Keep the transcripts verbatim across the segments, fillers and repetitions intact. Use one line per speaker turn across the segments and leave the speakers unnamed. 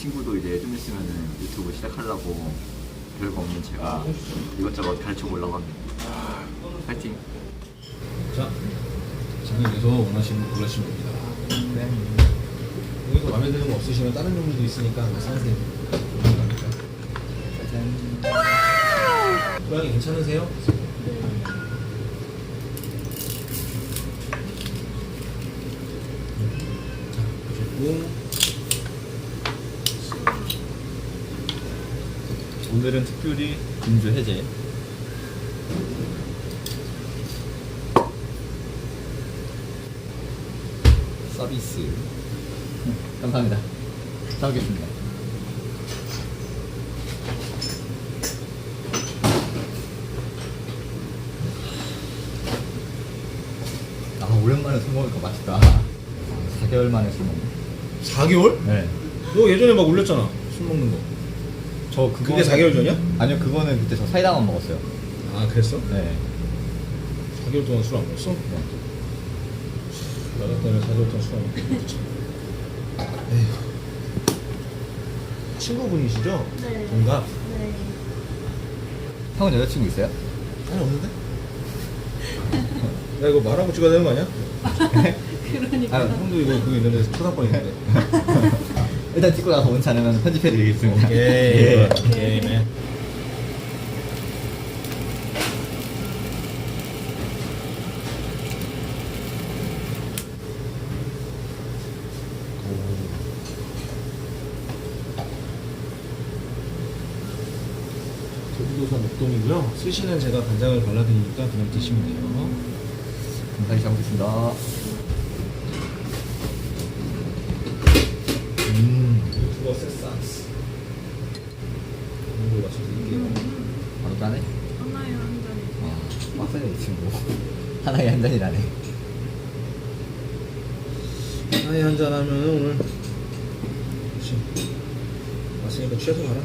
친구도 이제 좀 있으면은 유튜브 시작하려고 별거 없는 제가 이것저것 가르쳐 보려고 합니다. 파이팅!
자, 진행해서 원하시는 거 골라주시면 됩니다.
네.
여기서 마음에 드는 거 없으시면 다른 종류도 있으니까 사세요.
짜잔.
고양이 괜찮으세요? 자, 보시고
오늘은 특별히 금주 해제. 서비스. 감사합니다. 잘 먹겠습니다. 아, 오랜만에 술 먹으니까 맛있다. 사 개월 만에 술 먹네.
사 개월?
네.
너 예전에 막 올렸잖아, 술 먹는 거.
저 그거
그게 사 개월 전이야?
아니요, 그거는 그때 저 사이다만 먹었어요.
아, 그랬어?
네.
사 개월 동안 술 안 먹었어?
네.
나 같다면 사 개월 동안 술 안 먹었지. 에휴. 친구분이시죠?
네.
동갑?
네.
형은 여자친구 있어요?
아니, 없는데? 야, 이거 말하고 찍어야 되는 거 아니야?
그러니까.
아,
형도 이거 그거 있는데 초상권 있는데.
일단 찍고 나서 원치 않으면 편집해 드리겠습니다.
오케이.
예.
오케이, 맨. 제주도산 목동이고요. 스시는 제가 간장을 발라드리니까 그냥 드시면 돼요.
감사히 잘 먹겠습니다.
음. 유튜버 세상스. 이걸 맞춰 드릴게요.
바로 따네?
하나에 한 잔이.
아, 빡세네 이 친구. 하나에 한 잔이라네.
하나에 한잔 하면 오늘 그치. 왔으니까 취해서 가라.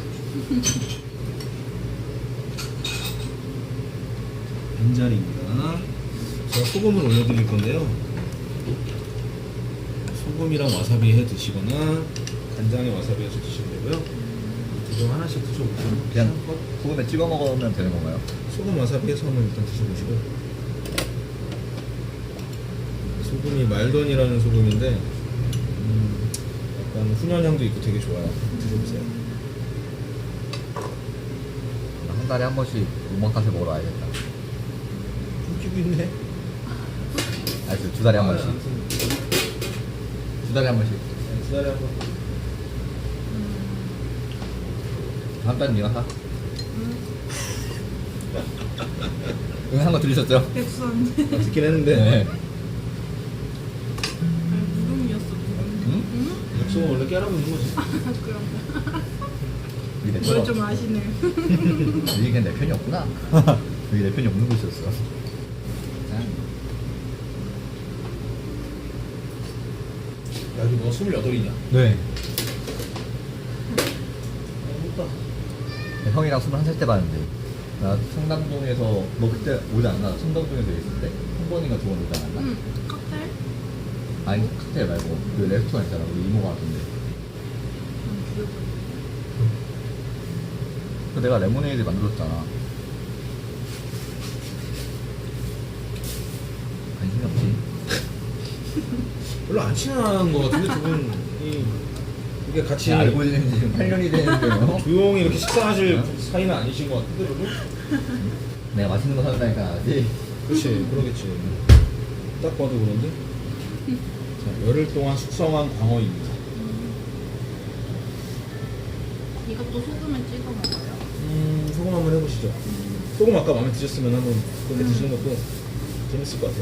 빈자리입니다. 제가 소금을 올려드릴 건데요. 소금이랑 와사비 해 드시거나 간장에 와사비 해서 드시면 되고요. 두 종 하나씩 드셔보시면
그냥 소금에 찍어 먹으면 되는 건가요?
소금 와사비 해서 한번 일단 드셔보시고. 소금이 말던이라는 소금인데 음, 약간 훈연향도 있고 되게 좋아요. 드셔보세요.
한 달에 한 번씩 오마카세 먹으러 와야겠다.
웃기고 있네.
알겠어, 두 달에 한 번씩. 두 달에 한 번씩.
네, 두 달에 한 번.
한 달은 네가 사. 응, 한 거 들으셨죠?
백수한데.
아, 듣긴 했는데
네.
무릉이었어, 무릉.
응?
응?
약속은 원래 깨라고 있는 거지.
그럼.
여기 내
뭘
편,
좀 아시네.
여기 그냥 내 편이 없구나. 여기 내 편이 없는 곳이었어. 짠.
야, 이거 너 스물여덟이냐?
네.
아, 못다.
형이랑 스물한 살 때 봤는데 나 청담동에서 너 그때 오지 않나? 청담동에서 있을 때? 한 번인가 두 번 오지 않았나?
응. 칵테일?
아니 칵테일 말고 그 레스토랑 있잖아 우리 이모가 왔던데
응, 기억이.
그 내가 레모네이드 만들었잖아. 관심이 없지.
별로 안 친한 거 같은데 두 분이 이게 같이
지금 알고 지낸 지 지금 팔 년이 되는데요.
조용히 이렇게 식사하실
어?
사이는 아니신 것 같은데 별로?
내가 맛있는 거 사준다니까 알지?
그렇지, 그러겠지. 딱 봐도 그런데. 자, 열흘 동안 숙성한 광어입니다.
이것도 소금에 찍어 먹어요.
음, 소금 한번 해보시죠. 소금 아까 마음에 드셨으면 한번 그렇게 드시는 것도 재밌을 것 같아요.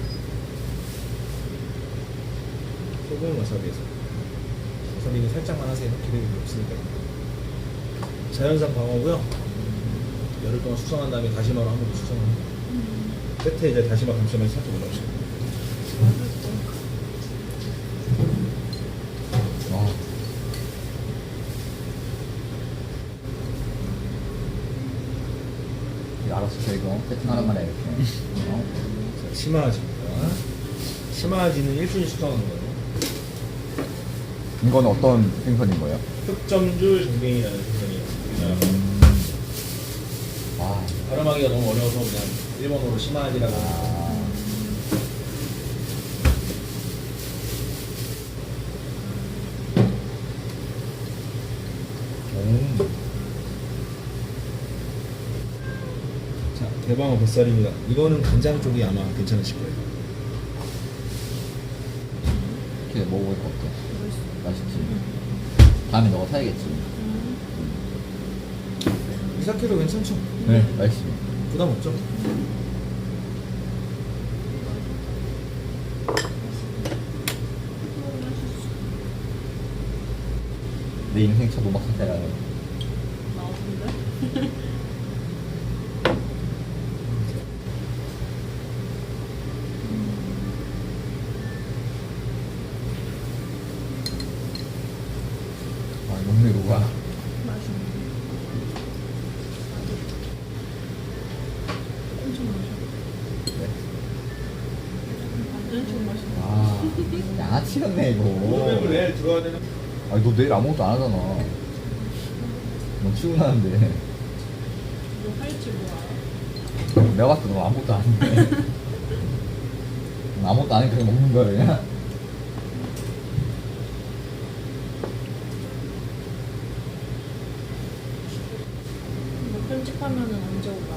소금 와사비에서. 와사비는 살짝만 하세요. 기름이 없으니까. 자연산 광어고요. 열흘 동안 숙성한 다음에 다시마로 한 번 더 숙성합니다. 끝에 이제 다시마 감싸면서 살짝 올라오시고.
와. 이거 알았어 이거 세팅 하나만 해 이렇게. 어?
자, 시마아지입니다. 시마아지는 일 분이 숙성하는 거예요.
이건 어떤 생선인 거예요?
흑점줄 정뱅이라는 생선이에요. 우리나라
와.
발음하기가 너무 어려워서 그냥 일본어로 시마지라고 하는
아. 음.
자, 대방어 뱃살입니다. 이거는 간장 쪽이 아마 괜찮으실 거예요.
이렇게 먹어보니까 어때?
맛있어.
맛있지? 다음에 너가 사야겠지?
음.
이사케도 괜찮죠?
네, 맛있어.
부담 없죠?
어, 맛있어.
내 인생 첫 오막 사태라는.
나오던데?
아, 녹네, 녹아.
맛있네. 엄청 맛있어.
네.
완전 맛있어.
아, 양아치 같네, 이거.
오늘 내일 들어야 되는
아니, 너 내일 아무것도 안 하잖아. 너 출근하는데.
뭐 할지 몰라.
내가 봤을 때 너 아무것도 안 해. 너 아무것도 안 해, 그냥 먹는 거야, 그냥.
이거 편집하면은 언제 올라와?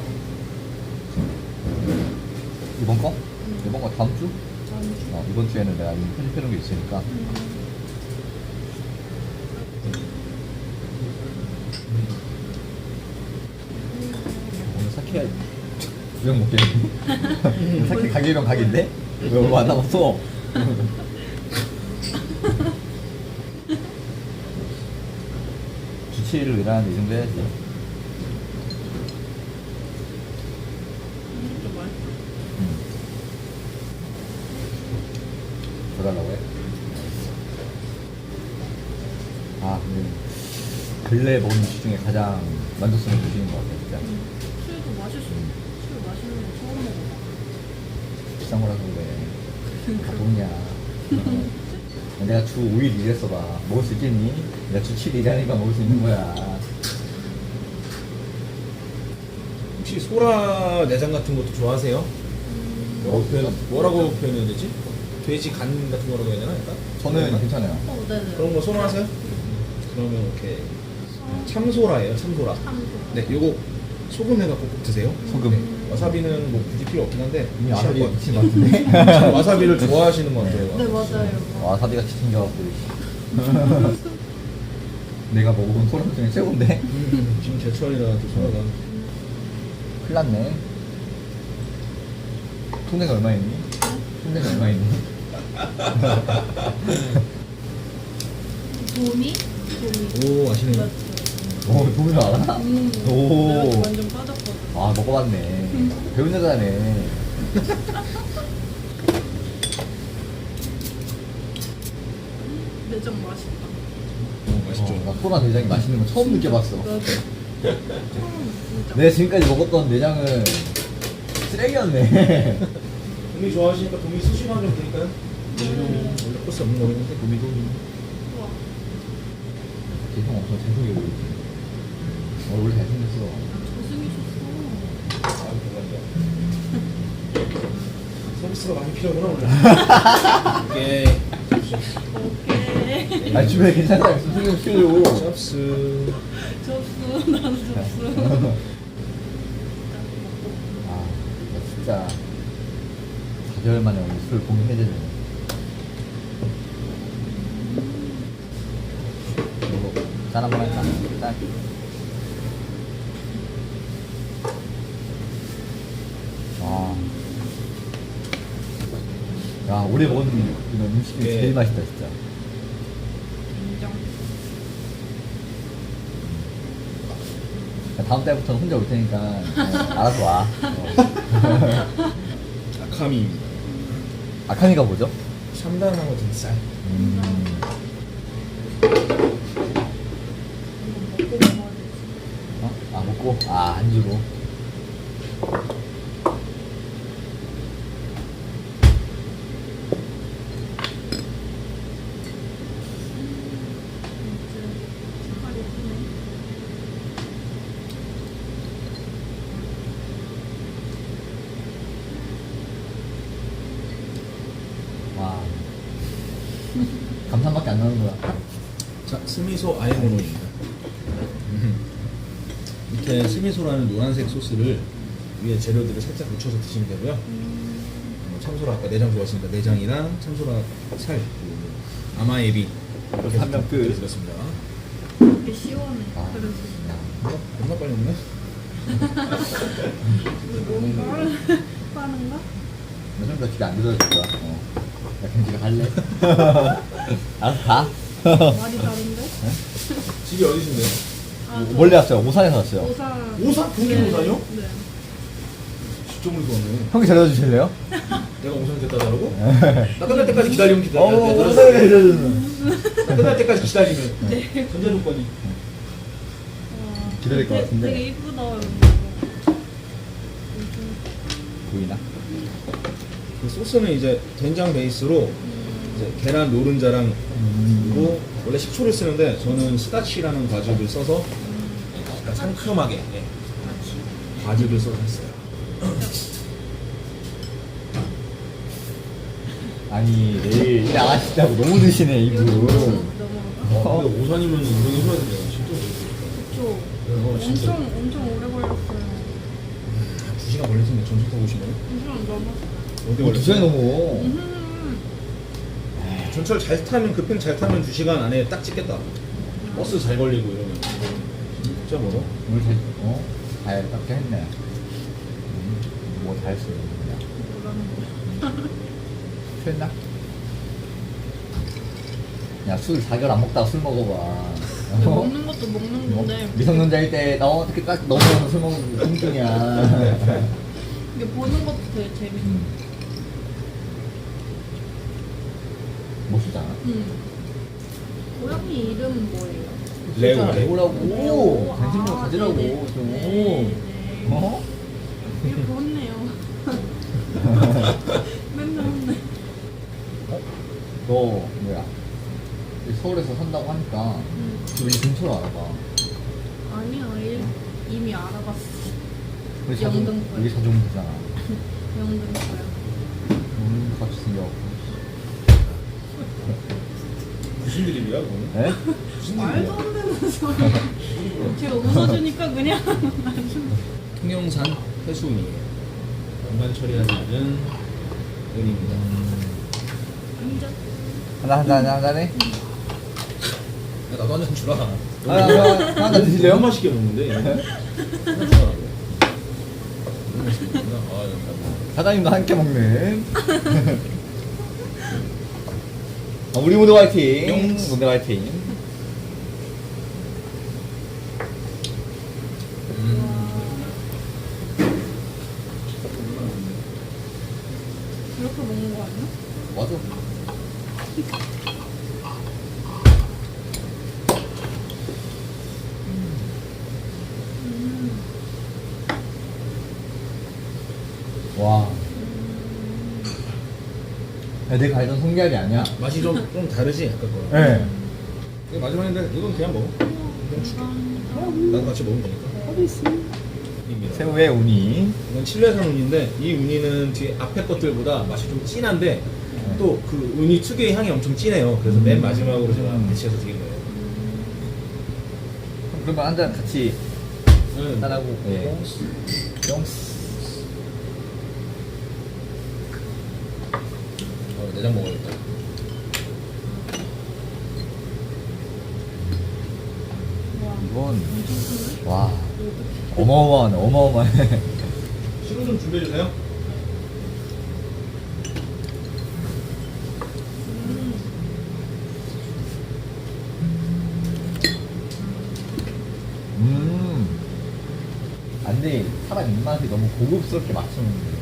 이번 거? 이번 거 다음 주?
다음 주.
어, 이번 주에는 내가 이미 편집해놓은 게 있으니까.
음.
오늘 사케 두병 먹겠네. 사케 가게병 각인데? 왜 얼마 안 남았어? 주 칠 일로 일하는데 이 정도 해야지.
좀 맛있어.
응. 더 달라고 해? 아, 근데 근래 먹은 음식 중에 가장 만족스러운 음식인 것 같아, 진짜.
술도 맛있어. 술 맛있는 거 처음 먹어.
비싼 거라서 그래. 다 돈이야. 어. 내가 주 오 일 일했어 봐. 먹을 수 있겠니? 내가 주 칠 일 일하니까 먹을 수 있는 거야.
혹시 소라 내장 같은 것도 좋아하세요? 뭐라고, 표현, 뭐라고 표현해야 되지? 돼지 간 같은 거라고 해야 되나? 일단?
저는 괜찮아요.
어, 네네.
그런 거 선호하세요? 그러면 이렇게 참소라예요, 참소라.
참소.
네, 요거 소금 해갖고 꼭 드세요.
소금.
네, 와사비는 뭐 굳이 필요 없긴 한데
이미
무시할
와사비
것
미친
같아요.
것 같은데?
와사비를 좋아하시는 것 같아요.
네, 맞아요.
와사비가 지친겨갖고. 내가 먹어본 소라 중에 최고인데?
음, 지금 제철이라 또 소라가
큰일 났네. 통내가 얼마 있니? 통내가 얼마 있니?
도미? 도미.
오 아시네요.
맞죠.
오, 도미도 알아?
음.
오.
내가 완전 빠졌거든.
아, 먹어봤네. 배운 여자네.
내장 맛있다.
오 맛있죠.
어, 나 소라 내장이 맛있는 거 처음 느껴봤어.
나도. 처음 진짜.
내가 지금까지 먹었던 내장은 쓰레기였네.
도미 좋아하시니까 도미 수시만 좀 드릴까요?
음.
원래 코스 없는 거긴 한데 도미 도미.
우와.
형 엄청 잘생겨 보이지. 어, 원래 잘생겼어.
잘생기셨어.
아 감사합니다. 서비스가 많이 필요하구나 오늘. 오케이.
오케이.
아니, 주변에 괜찮은 사람 있으면 소개 좀 시켜줘.
접수.
접수. 나도 접수.
아, 나 진짜 사 개월 만에 오늘 술 공유해야 되네. 이거 짠 한번 할까? 짠. 와. 야, 올해 먹은 이런 음식 중에
네.
제일 맛있다, 진짜.
인정.
야, 다음 달부터는 혼자 올 테니까 어, 알아서 와. 어.
아카미입니다.
아카니가 뭐죠?
샴단하고 등살.
음.
이거 먹고 먹어야 돼.
어? 아, 먹고? 아, 안주로. 하는구나.
자, 스미소 아에모노입니다. 밑에 스미소라는 노란색 소스를 위에 재료들을 살짝 묻혀서 드시면 되고요. 어, 참소라 아까 내장 좋아하시니까 내장이랑 참소라 살, 그리고 아마에비 이렇게
한명 끝.
드렸습니다.
되게 시원해.
아.
그래서
어? 얼마 빨리 먹네?
너무 빠른 빠른가?
나 좀 더 집에 안 들어줄 거야. 어. 야, 그냥 집에 갈래? 알았어, 가.
말이 다른데?
집이 어디신데요?
아, 저
원래 왔어요. 오산에서 왔어요.
오산.
오산? 동계
네.
오산이요?
네.
진짜 멀리 왔네.
형이 데려다 주실래요?
내가 오산 됐다 다르고? 나 끝날 때까지 기다리면 기다려.
어,
내가
오산에
들었어.
데려다 주는.
나 끝날 때까지 기다리면. 전자 조건이.
와,
기다릴 것
되게-
같은데.
되게 이쁘다. 여기.
보이나?
그 소스는 이제 된장 베이스로 이제 계란 노른자랑 그리고 원래 식초를 쓰는데 저는 스다치라는 과즙을 써서 약간 상큼하게 예, 과즙을 써서 했어요.
아니, 내일 일 안 하시다고 너무 드시네,
이거
이분.
넘어가?
어, 근데 오산이면 운동해줘야 돼요. 진짜.
그쵸.
어, 진짜.
엄청 엄청 오래 걸렸어요.
두 시간 걸렸으면 전철 타고 오시면
엄청 넘었어.
어디
어, 두 시간이
걸렸어요?
넘어.
음.
전철 잘 타면 급행 잘 타면 두 시간 안에 딱 찍겠다. 버스 잘 걸리고 이러면 진짜 멀어.
오늘 잘, 어? 잘 깎게 했네. 음, 뭐 잘했어요, 그냥.
뭐라는 거야?
취했나? 야, 술 사 개월 안 먹다가 술 먹어봐.
근데
어?
먹는 것도 먹는
뭐,
건데
미성년자일 때, 너 어떻게 딱 넘어가서 술 먹는 게 공중이야.
이게 보는 것도 되게 재밌어.
음. 멋있잖아.
음. 고양이 이름은 뭐예요?
레오.
레오라고. 관심좀
아,
가지라고,
네네.
좀.
네, 네.
어?
이렇게 혼내요. 맨날 혼내.
어? 너, 뭐야. 서울에서 산다고 하니까,
음.
우리 근처로 알아봐.
아니야, 일, 이미 알아봤어.
우리 자주,
영등포요.
우리 자주 오면 되잖아.
영등포요.
음, 같이 생겨갖고.
무슨 드립이야 그거는?
에?
무슨
말도
드립이야?
안 되는 소리. 제가 웃어주니까 그냥
통영산 해수운이에요. 연간 처리하는 은입니다.
인정.
하나, 하나, 하나, 하나네?
야, 나도 한 잔 주라.
하나, 하나, 하나 드실래요?
너무 맛있게 먹는데. 하나 주라고. 너무 맛있게 먹구나. 아, 감사합니다.
사장님도 함께 먹는. 아, 우리 모두 화이팅!
용.
모두 화이팅!
이렇게 먹는 거 아니야?
맞아.
음.
와. 야, 내가 알던 성게알이 아니야.
맛이 좀, 좀 다르지? 아까 거랑.
예.
이거 마지막인데 이건 그냥 먹어. 그냥 줄게. 나도 같이 먹으면 되니까. 입니다.
새우의 우니.
이건 칠레산 우니인데 이 우니는 뒤에 앞에 것들보다 맛이 좀 진한데 또 그 우니 특유의 향이 엄청 진해요. 그래서 맨 마지막으로 제가
음.
배치해서 드린 거예요.
그러면 한 잔 같이
응.
따라고. 예. 뿅스.
어, 내장 먹어야겠다.
와,
이건,
엄청 크네.
와. 어마어마하네, 어마어마해.
시로 좀 준비해 주세요.
음.
음. 안돼, 사람 입맛이 너무 고급스럽게 맞추는데.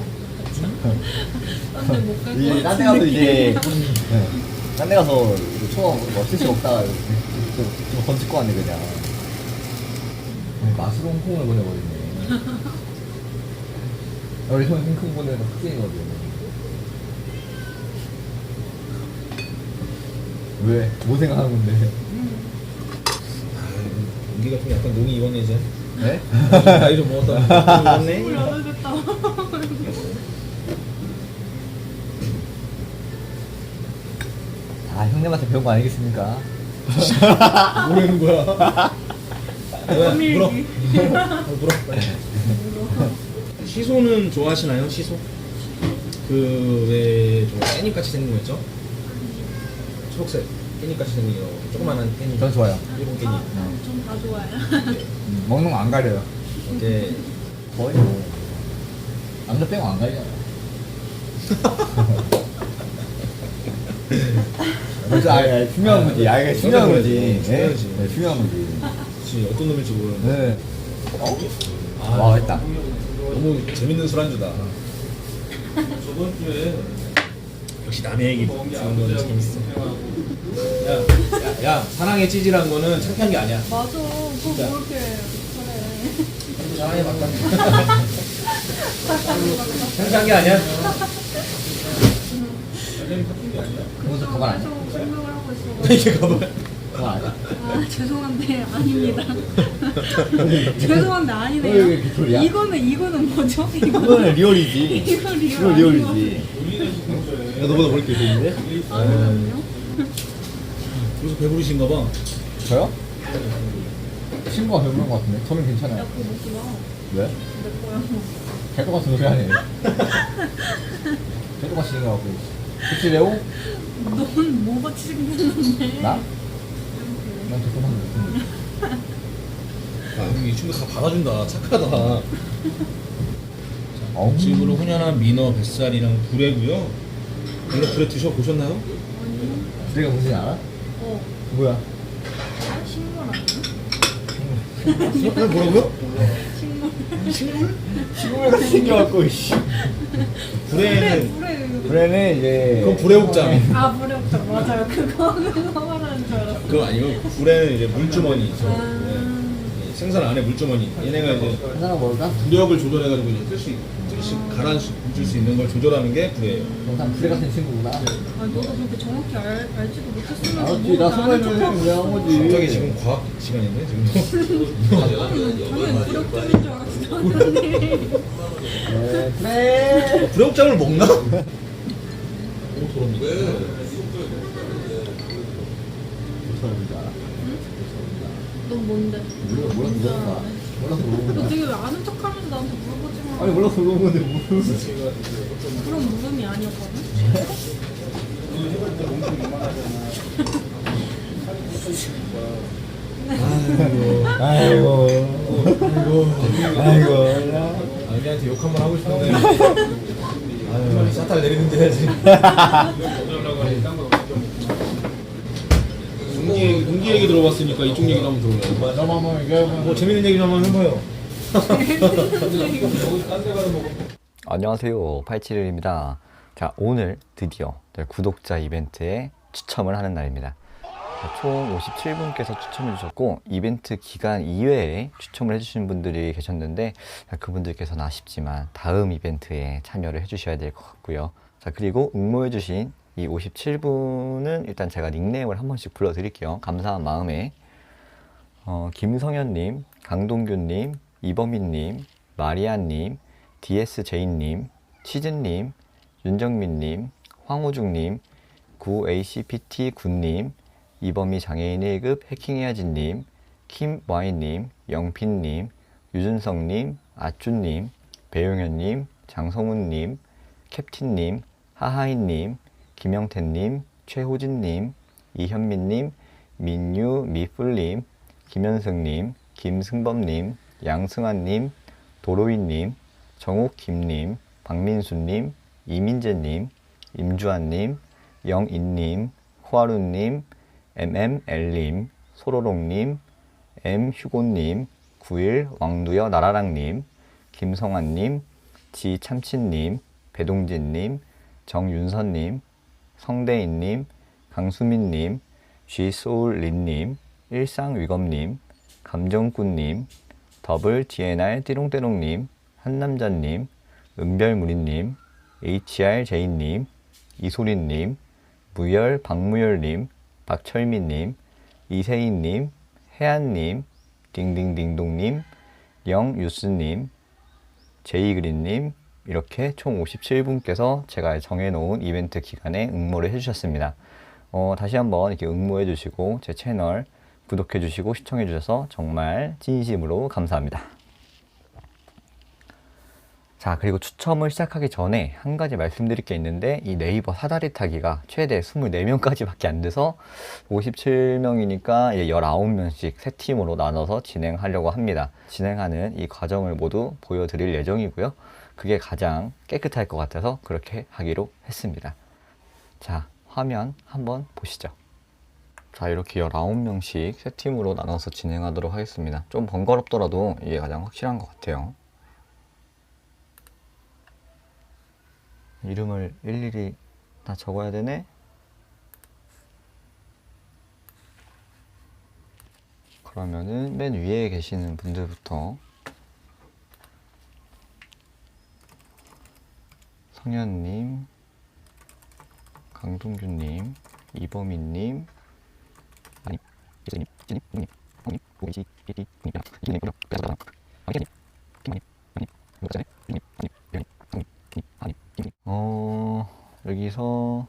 딴데 못 갈 것
이제
같은
딴데 가서
느낌.
이제 네. 딴데 가서 처음 뭐 스시 먹다가 좀, 좀 건질 거 같네 그냥. 아니, 맛으로 홍콩을 보내버리네. 우리 형이 홍콩 보내는 거 특징이거든. 왜? 뭐 생각하는 건데?
아, 여기가 좀 약간 농이 이번에 이제
네?
나이 좀 먹었다. 좀
물
먹었네.
여덟 됐다.
아, 형 형님한테 배운 거 아니겠습니까?
모르는 거야. 뭐야,
밀기.
물어. 어, 물어. 빨리. 시소는 좋아하시나요? 시소? 그왜 깻잎 같이 생긴 거 있죠? 초록색 깻잎 같이 생긴 거 조그만한 깻잎.
전 좋아요.
일본 깻잎.
아, 전 다 좋아해요.
음, 먹는 거 안 가려요.
이제
거의 뭐 남자 빼고 안 가리잖아요. 그래서 아예 중요한 거지. 아예 중요한 거지. 네,
중요하지.
네, 중요한 거지.
혹시 어떤 놈일지 모르는데
네. 어? 와, 했다.
너무 재밌는 술안주다. 저번 주에 역시 남의 얘기 듣는 건 재밌어. 야, 야, 야, 사랑의 찌질한 거는 창피한 게 아니야.
맞아. 그거
진짜.
뭐 이렇게 그래.
사랑의 맞다. 창피한 게 아니야.
그것도 그건 아니야.
계속 생각을 하고 있어.
이게 가봐.
그건 아니야.
아, 죄송한데 아닙니다. 죄송한데
왜
아니네요.
이렇게 소리야?
이거는 이거는 뭐죠? 이거
그거는 리얼이지.
이거 리얼
이거 리얼이지.
야, 너보다 머리 길었는데?
아니거든요.
그래서 배부르신가 봐.
저요? 친구가 배부른 것 같은데? 저는
야
괜찮아요.
그거 먹지 마.
왜?
내 거야.
개도 같은 소리 하네. 개도 같이 생겨갖고. 그치, 레오?
넌 뭐같이 생겼는데?
나? 난 죄송한데.
아, 이 친구 다 받아준다. 착하다.
어우.
지금으로 훈연한 민어, 뱃살이랑 불에고요. 이거 불에 드셔보셨나요?
아니.
내가 무슨 알아?
어.
뭐야?
아, 식물 아니야?
어, 뭐라고요?
식물.
식물?
친구가 같이 생겨갖고, 이씨.
불에는
불에 불에.
그래는 이제.
그건 불의 옥잠.
아 불에 없다 맞아요. 그거 그거 말하는 줄 알았어.
그거 아니고 불에는 이제 물주머니 있죠.
아.
네. 생선 안에 물주머니. 얘네가 이제
한 사람 먹을까?
부력을 조절해가지고 이제 뜰수 뜰수 가라앉힐 수 있는 걸 조절하는 게 불이에요.
영상 불에 같은 친구구나.
아 너도 그렇게 정확히 알, 알지도 못했으면
알았지, 나 스물 명 왜한 거지.
갑자기 지금 과학 시간인데 지금도.
당연히 무력점인 줄 알았어. 당연히.
네, 그래.
불역장을 먹나?
넌 뭔데?
몰라, 몰라서
뭔지
물어본 거야.
알아?
몰라서
너
물어본 거야.
되게 왜 아는 척하면서 나한테 물어보지 마.
아니, 몰라서 물어본 건데, 뭐.
그런 물음이 아니었거든.
아이고. 아이고. 아이고.
아기한테 욕 한 번 하고 싶은데. 아유, 샷달 내리는 데 해야지. 동기 얘기, 동기 얘기 들어봤으니까 이쪽 얘기도 한번 들어봐요.
맞아, 마마, 이거.
뭐 재밌는 얘기 좀 한번 해봐요.
안녕하세요, 팔칠일입니다. 자, 오늘 드디어 저희 구독자 이벤트에 추첨을 하는 날입니다. 자, 총 오십칠 분께서 추첨해 주셨고 이벤트 기간 이외에 추첨을 해주신 분들이 계셨는데 자, 그분들께서는 아쉽지만 다음 이벤트에 참여를 해주셔야 될 것 같고요. 자, 그리고 응모해 주신 이 오십칠 분은 일단 제가 닉네임을 한 번씩 불러드릴게요. 감사한 마음에 어, 김성현님, 강동규님, 이범희님, 마리아님, 디에스제이님, 치즈님, 윤정민님, 황호중님, 구에이씨피티구님, 이범희 장애인 일 급 해킹해야지님, 김와이님, 영핀님, 유준성님, 아쭈님, 배용현님, 장성훈님, 캡틴님, 하하이님, 김영태님, 최호진님, 이현민님, 민유 미뿔님, 김현승님, 김승범님, 양승환님, 도로이님, 정옥김님, 박민수님, 이민재님, 임주환님, 영인님, 호하루님, 엠엠엘님, 소로롱님, 엠휴고님, 구일 왕두여 나라랑님, 김성환님, 지참치님, 배동진님, 정윤선님, 성대인님, 강수민님, 쥐소울린님, 일상위검님, 감정꾼님, 더블 디엔알 띠롱띠롱님, 한남자님, 은별무리님, 에이치알제이님, 이소린님, 무열 박무열님, 박철미님, 이세희님, 혜안님, 딩딩딩동님, 영유스님, 제이그린님 이렇게 총 오십칠 분께서 제가 정해놓은 이벤트 기간에 응모를 해주셨습니다. 어, 다시 한번 이렇게 응모해 주시고 제 채널 구독해 주시고 시청해 주셔서 정말 진심으로 감사합니다. 자, 그리고 추첨을 시작하기 전에 한 가지 말씀드릴 게 있는데, 이 네이버 사다리 타기가 최대 이십사 명까지밖에 안 돼서 오십칠 명이니까 십구 명씩 세 팀으로 나눠서 진행하려고 합니다. 진행하는 이 과정을 모두 보여드릴 예정이고요. 그게 가장 깨끗할 것 같아서 그렇게 하기로 했습니다. 자, 화면 한번 보시죠. 자, 이렇게 십구 명씩 세 팀으로 나눠서 진행하도록 하겠습니다. 좀 번거롭더라도 이게 가장 확실한 것 같아요. 이름을 일일이 다 적어야 되네? 그러면은 맨 위에 계시는 분들부터 성현님, 강동규님, 이범희님, 아니, 이재님, 이재님, 이재님, 형님, 오이지, 이디, 형님, 이재님, 그래서 이재님, 김원님, 형님, 이거잖아요, 형님, 형님, 형님, 형님, 형님, 아니, 김님. 어, 여기서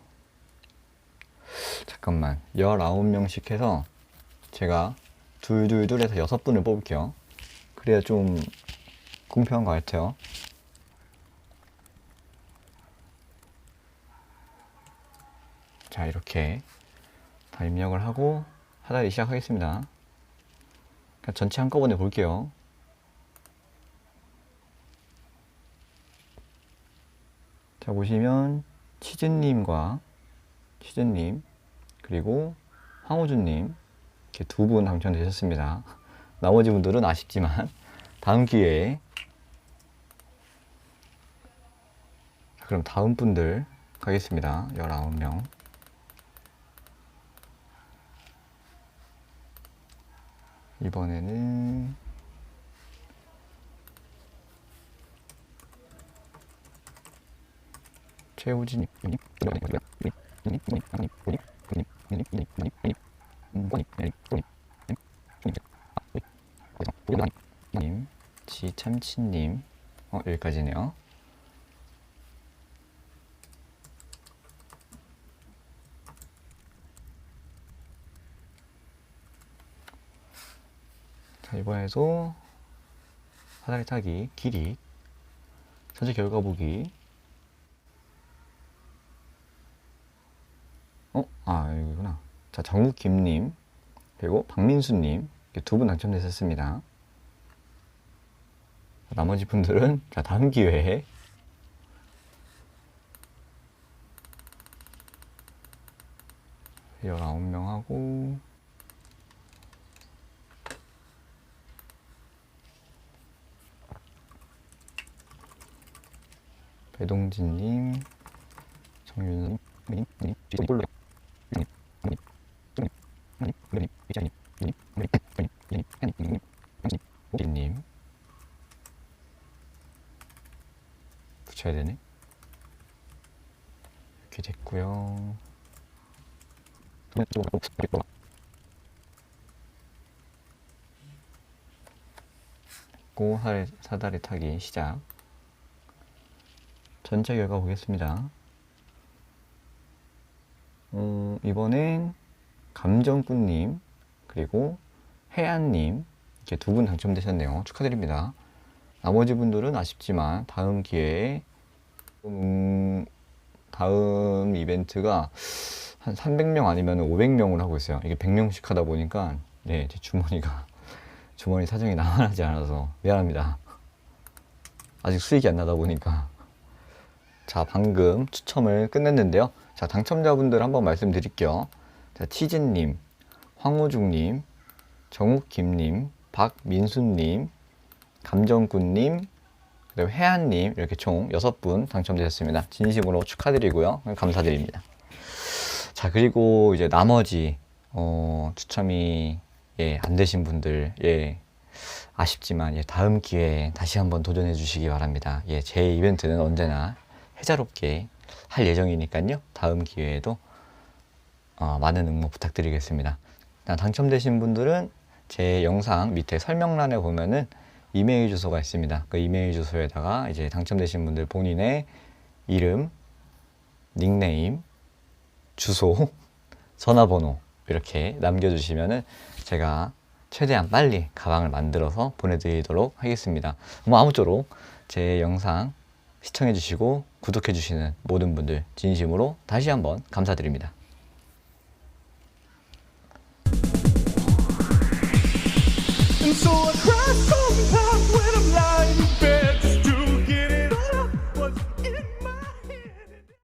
잠깐만, 십구 명씩 해서 제가 둘둘둘 해서 여섯 분을 뽑을게요. 그래야 좀 공평한 것 같아요. 자, 이렇게 다 입력을 하고 사다리 시작하겠습니다. 그냥 전체 한꺼번에 볼게요. 자, 보시면 치즈님과 치즈님 그리고 황호준님 이렇게 두 분 당첨되셨습니다. 나머지 분들은 아쉽지만 다음 기회에. 자, 그럼 다음 분들 가겠습니다. 십구 명. 이번에는 최우진님, 님, 지참치님, 어, 여기까지네요. 자, 이번에도 사다리 타기 길이 전체 결과 보기. 어? 아, 여기구나. 자, 정국김님 그리고 박민수님 두 분 당첨되셨습니다. 나머지 분들은 자, 다음 기회에. 십구 명 하고 배동진님, 정윤님, 님, 님, 홀로 님 붙여야 되네. 이렇게 됐고요. 됐고 사다리 타기 시작. 전체 결과 보겠습니다. 어, 이번엔 감정꾼님 그리고 혜안님 이렇게 두 분 당첨되셨네요. 축하드립니다. 나머지 분들은 아쉽지만 다음 기회에 음, 다음 이벤트가 한 삼백 명 아니면 오백 명을 하고 있어요. 이게 백 명씩 하다 보니까 네, 제 주머니가 주머니 사정이 나만하지 않아서 미안합니다. 아직 수익이 안 나다 보니까. 자, 방금 추첨을 끝냈는데요. 자, 당첨자분들 한번 말씀드릴게요. 자, 치즈님, 황호중님, 정욱김님, 박민수님, 감정꾼님, 그리고 혜안님 이렇게 총 여섯 분 당첨되셨습니다. 진심으로 축하드리고요. 감사드립니다. 자, 그리고 이제 나머지 어, 추첨이 예, 안 되신 분들 예, 아쉽지만 예, 다음 기회에 다시 한번 도전해 주시기 바랍니다. 예, 제 이벤트는 언제나 해자롭게 할 예정이니까요. 다음 기회에도 어, 많은 응모 부탁드리겠습니다. 당첨되신 분들은 제 영상 밑에 설명란에 보면은 이메일 주소가 있습니다. 그 이메일 주소에다가 이제 당첨되신 분들 본인의 이름, 닉네임, 주소, 전화번호 이렇게 남겨주시면은 제가 최대한 빨리 가방을 만들어서 보내드리도록 하겠습니다. 뭐 아무쪼록 제 영상 시청해주시고 구독해주시는 모든 분들 진심으로 다시 한번 감사드립니다.
And so I cry sometimes when I'm lying.